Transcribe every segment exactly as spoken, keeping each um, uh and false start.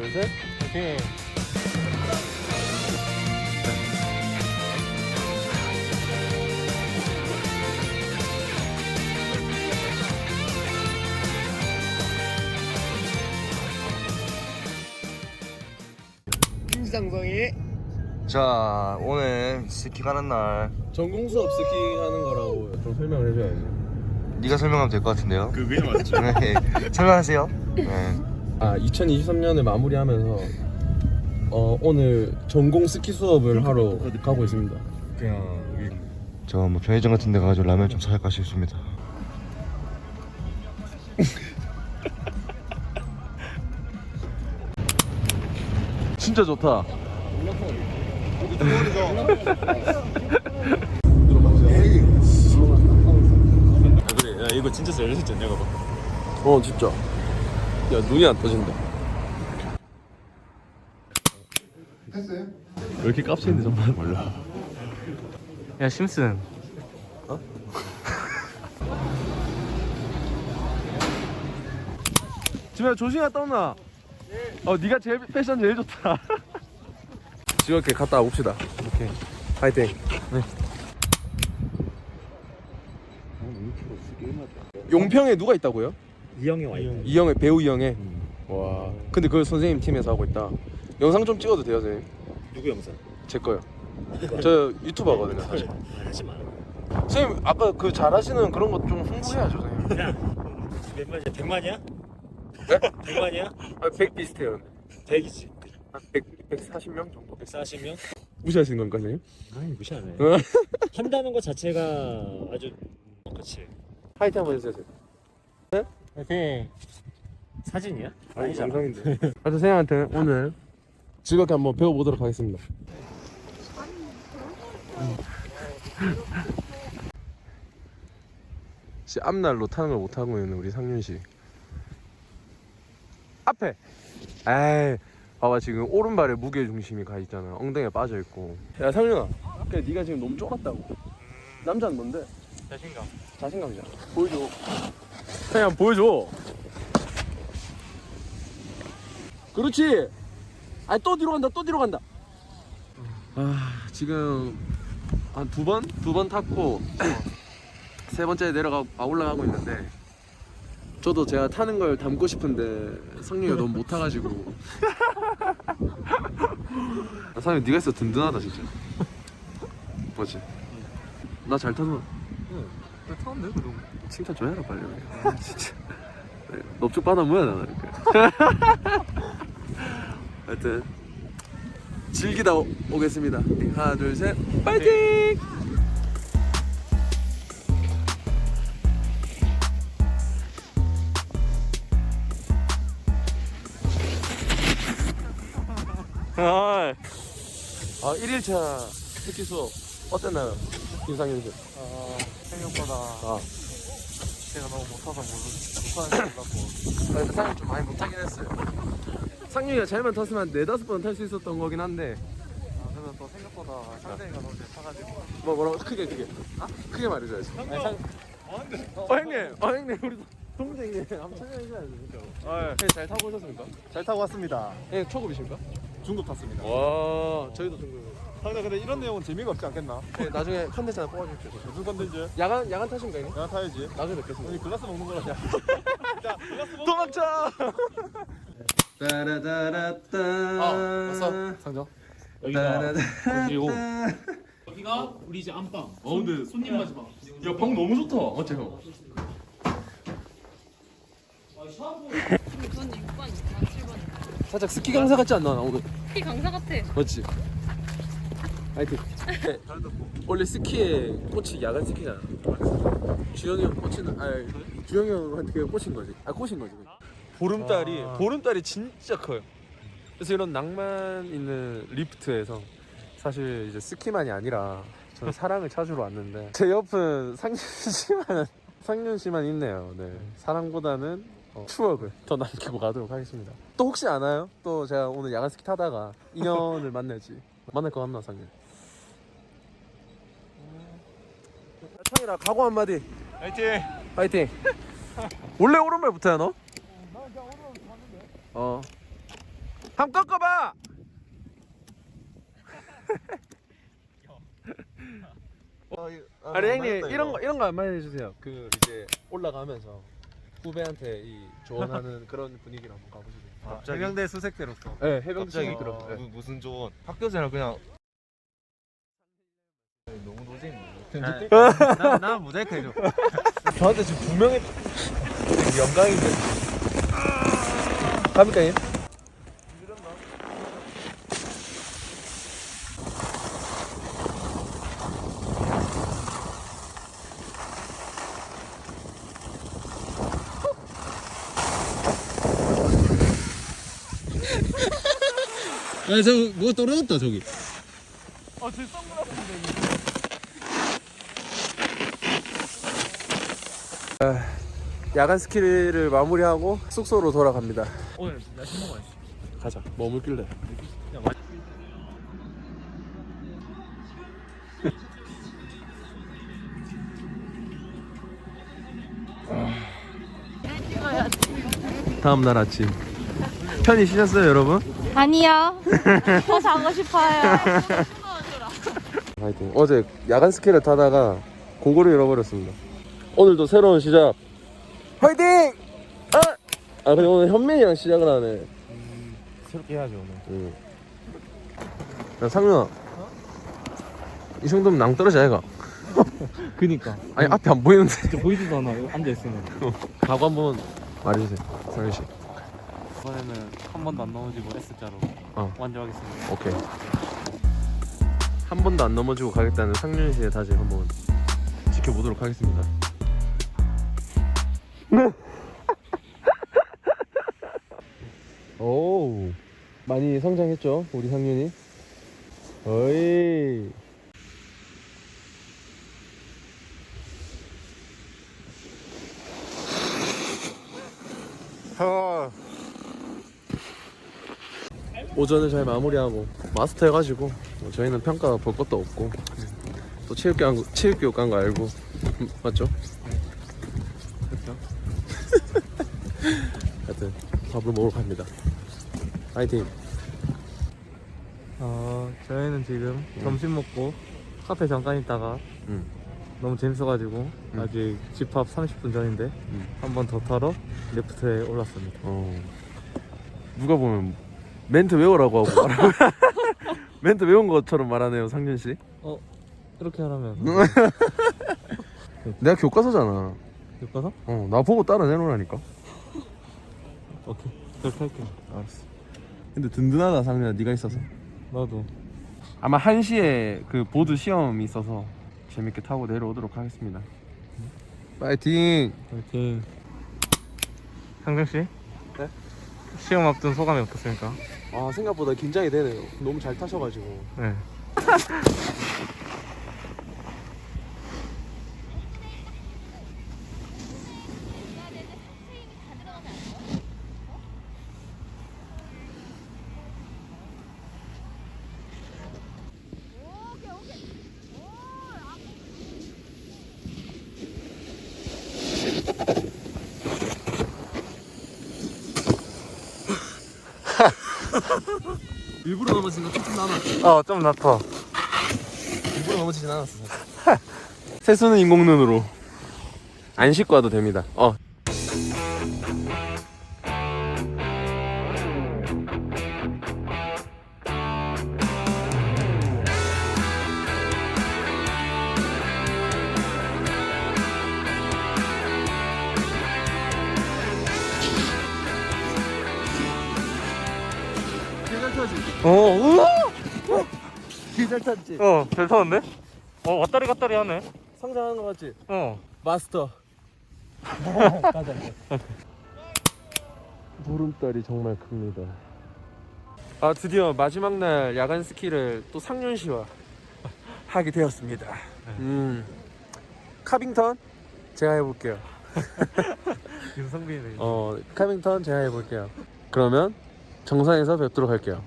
둘, 셋. 오케이. 김상성이. 자, 오늘 스키 가는 날 전공 수업 스키 하는 거라고 좀 설명을 해줘야지. 네가 설명하면 될 것 같은데요. 그게 맞죠. 네, 설명하세요. 네. 아, 이천이십삼 년을 마무리하면서 어, 오늘 전공 스키 수업을 하러 가고 있습니다. 그냥 저 뭐 편의점 같은 데 가가지고 라면 좀 사갈까 싶습니다. 진짜 좋다. 그래. 야 이거 진짜 잘 됐지 않냐 봐봐. 어, 진짜. 야, 눈이 안 떠진다. 했어요? 왜 이렇게 깝치는데 정말 몰라. 야 심슨 지금 조심히 갔다 온나? 어, 네가 제일 패션 제일 좋다. 즐겁게 갔다 옵시다. 오케이. 파이팅. 네. 용평에 누가 있다고요? 이형이 와 있다. 이영애, 배우 이영애. 와. 근데 그걸 선생님 팀에서 하고 있다. 영상 좀 찍어도 돼요, 선생님? 누구 영상? 제 거요. 저 유튜버거든요, 사실. 하지 마. 선생님 아까 그 잘하시는 그런 거 좀 홍보해야죠, 선생님. 야, 몇 만이야? 백만이야? 네? 백만이야? 아, 백 비슷해요. 백이지. 한 백, 백사십 명 정도. 백사십 명? 무시하시는 겁니까, 선생님? 아니 무시하네. 한다는 것 자체가 아주 어, 그렇지. 파이팅 한번 해주세요. 파이팅. 사진이야? 아니, 영상인데. 하여튼 선생님한테 오늘 즐겁게 한번 배워보도록 하겠습니다. 씨, 앞날로 타는 걸 못하고 있는 우리 상윤 씨. 앞에. 에이, 봐봐 지금 오른발에 무게 중심이 가 있잖아. 엉덩이에 빠져 있고. 야 상윤아, 그래 네가 지금 너무 쫄았다고. 남자는 뭔데? 자신감. 자신감이잖아. 보여줘. 그냥 보여줘. 그렇지. 아니 또 뒤로 간다. 또 뒤로 간다. 아 지금 한 두 번? 두 번 탔고 세 번째 내려가 아, 올라가고 있는데 저도 제가 타는 걸 담고 싶은데 성룡이가 너무 못 타가지고. 아, 상윤 네가 있어 든든하다 진짜. 뭐지? 나 잘 타서. 왜 타는데 그럼? 칭찬 좀 해라 빨리. 아, 진짜. 네, 넙죽 받아 뭐야 나 이렇게. 하여튼 즐기다 오, 오겠습니다. 하나 둘 셋 파이팅! 아, 아 일 일차 스키 수업 어땠나요? 김상윤 씨. 어, 생각보다 아, 제가 너무 못타서 못하는 줄 몰랐고 그래도 상윤 좀 많이 못하긴 했어요. 상윤이가 잘만 탔으면 한 네다섯 번 탈 수 있었던 거긴 한데 아, 그래서 또 생각보다 상대가 너무 잘 타가지고 뭐 뭐라고 크게 크게 아? 크게 말해줘야지. 아니, 상, 어 형님, 어 형님 우리 동생님 한번 참여해줘야지 진짜. 아, 예. 잘 타고 오셨습니까? 잘 타고 왔습니다. 예, 초급이십니까? 중급 탔습니다. 와, 저희도 중급. 상대 근데 이런 내용은 재미가 없지 않겠나? 예, 나중에 컨텐츠 하나 뽑아주십시오. 무슨 건든지 야간 야간 타십니까 형님? 내가 타야지. 나중에 뵙겠습니다. 우리 글라스 먹는 거라. 자, 글라스 먹. 도망쳐. 따라다라따. 아, 왔어. 상정. 여기가 그리고 여기가 우리 이제 안방. 어, 근데 손님 마지막. 야, 방 너무 좋다. 어째 형? 저는 육 번이구나, 칠 번. 살짝 스키 강사 같지 않나 나 오늘? 키 강사 같아. 맞지? 하여튼 네. 원래 스키의 꽃이 야간 스키잖아. 주영이 형 꽂히는 아니 주영이 형한테 그냥 꽂힌 거지. 아 꽂힌 거지. 보름달이 보름달이 진짜 커요. 그래서 이런 낭만 있는 리프트에서 사실 이제 스키만이 아니라 저는 사랑을 찾으러 왔는데 제 옆은 상윤 씨만 상윤 씨만 있네요. 네 사랑보다는 어, 추억을 더 남기고 가도록 하겠습니다. 또 혹시 아나요? 또 제가 오늘 야간 스키 타다가 인연을 만날지 만날 것 같나 상윤? 창이라 각오 한마디. 화이팅. 파이팅. 원래 오른발부터야 너? 어. 한번 꺾어봐. 아니 형님 이런 거 이런 거 한번 해주세요. 그 이제 올라가면서 후배한테 이 조언하는 그런 분위기를 한번 가보시죠. 갑자기 해병대 수색대로서. 네, 해병대 갑자기 친구들하고. 네. 무- 무슨 조언? 학교생활 그냥 너무 노잼이네. 나, 나 모자이크 해줘. 저한테 지금 분명히 영광인데. 갑니까 님? 야, 저, 뭐 떨어졌다, 저기. 야간 스키를 마무리하고 숙소로 돌아갑니다. 오늘 야식 먹어야지. 가자. 뭐 먹을래? 다음 날 아침. 편히 쉬셨어요, 여러분? 아니요. 더 자고 싶어요. 하여튼 어제 야간 스키를 타다가 공고를 잃어버렸습니다. 오늘도 새로운 시작. 화이팅! 아! 아 근데 오늘 현민이랑 시작을 하네. 새롭게 해야지 오늘. 응. 야 상윤아. 이 정도면 낭떠러지 아이가? 그니까. 아니 앞이 안 보이는데. 진짜 보이지도 않아. 앉아있으면. 각오 한번 말해주세요, 상윤 씨. 이번에는 한 번도 안 넘어지고 S자로 어. 완주하겠습니다. 오케이. 한 번도 안 넘어지고 가겠다는 상윤 씨의 다짐 한번 지켜보도록 하겠습니다. 오, 많이 성장했죠, 우리 상윤이. 어이. 오전을 잘 마무리하고 마스터 해가지고 뭐 저희는 평가 볼 것도 없고 또 체육교육 체육교육 간 거 알고 맞죠? 그렇죠. 하여튼 밥을 먹으러 갑니다. 파이팅. 어, 저희는 지금 점심 먹고 카페 잠깐 있다가 응. 너무 재밌어가지고 응. 아직 집합 삼십 분 전인데 응. 한 번 더 타러 리프트에 올랐습니다. 어. 누가 보면 멘트 외우라고 하고 말하고 멘트 외운 것처럼 말하네요, 상준 씨. 어, 이렇게 하라면 내가 교과서잖아. 교과서? 어, 나 보고 따라 내놓으라니까. 오케이, 그렇게 할게. 알았어. 근데 든든하다, 상준아, 네가 있어서. 나도. 아마 한 시에 그 보드 시험이 있어서 재밌게 타고 내려오도록 하겠습니다. 파이팅! 파이팅. 상정 씨? 네? 시험 앞둔 소감이 어떻습니까? 아, 생각보다 긴장이 되네요. 너무 잘 타셔가지고. 네. 일부러 넘어진 거 조금 남았어. 어, 좀 낫다. 일부러 넘어지진 않았어. 세수는 인공눈으로. 안 씻고 와도 됩니다. 어. 어, 우와! 잘 탔지? 어, 잘 타는데? 어, 왔다리 갔다리 하네. 성장하는 거 같지? 어. 마스터. 가자. 보름달이 정말 큽니다. 아, 드디어 마지막 날 야간 스키를 또 상윤 씨와 하게 되었습니다. 음. 카빙턴 제가 해볼게요. 윤성빈이네. 어, 카빙턴 제가 해볼게요. 그러면 정상에서 뵙도록 할게요.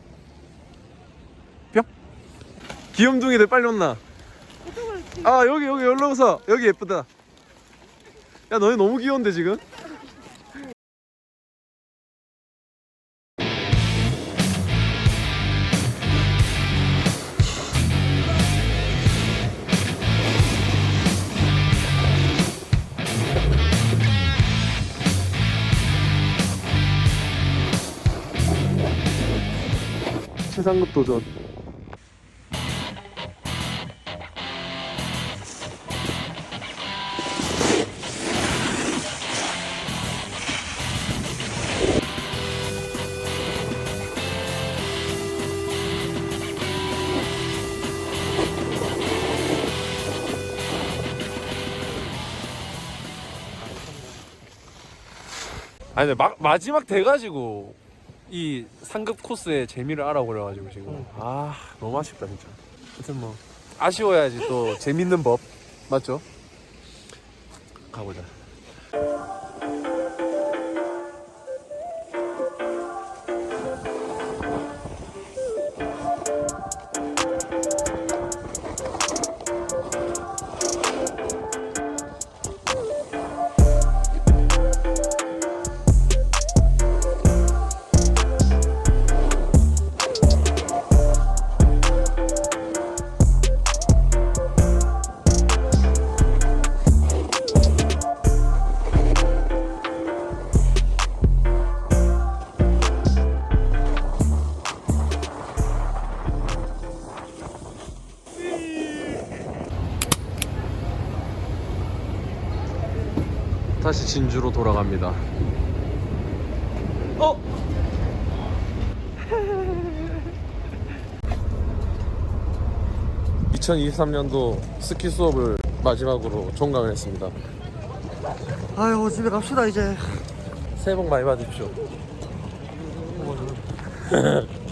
뿅. 귀염둥이들 빨리 온나. 아, 여기 여기 여기로 오서. 여기 예쁘다. 야, 너네 너무 귀여운데 지금? 최상급 도전. 아니 근데 막, 마지막 돼가지고 이 상급 코스의 재미를 알아버려가지고 지금 아 너무 아쉽다 진짜. 하여튼 뭐 아쉬워야지 또 재밌는 법 맞죠? 가보자. 다시 진주로 돌아갑니다. 어? 이천이십삼 년도 스키 수업을 마지막으로 종강을 했습니다. 아유 집에 갑시다 이제. 새해 복 많이 받으십시오.